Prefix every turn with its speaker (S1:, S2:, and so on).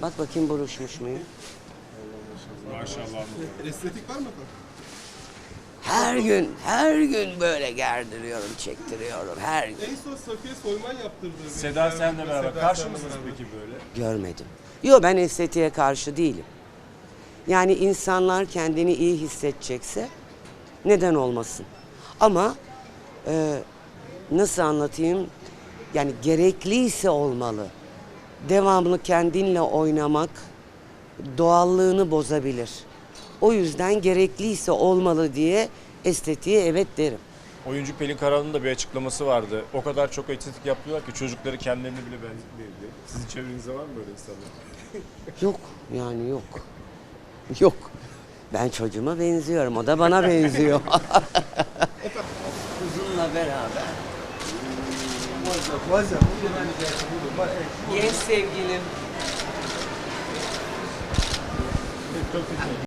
S1: Bak bakayım buruşmuş muyum?
S2: Maşallah.
S3: Estetik var mı efendim?
S1: Her gün böyle gerdiriyorum, çektiriyorum her gün.
S3: En son Safiye Soyman yaptırdı.
S2: Seda senle beraber.
S3: Seda
S2: Karşı
S3: senle
S2: mısınız
S3: beraber.
S2: peki böyle?
S1: Görmedim. Yo, ben estetiğe karşı değilim. Yani insanlar kendini iyi hissedecekse neden olmasın? Ama nasıl anlatayım? Yani gerekliyse olmalı. Devamlı kendinle oynamak doğallığını bozabilir. O yüzden gerekliyse olmalı diye estetiğe evet derim.
S2: Oyuncu Pelin Karahan'ın da bir açıklaması vardı. O kadar çok estetik yapıyorlar ki çocukları kendilerine bile benzetmiyor diye. Sizin çevrenizde var mı böyle insanlar?
S1: Yok yani yok. Yok. Ben çocuğuma benziyorum. O da bana benziyor. Kızımla beraber. Genç sevgilim.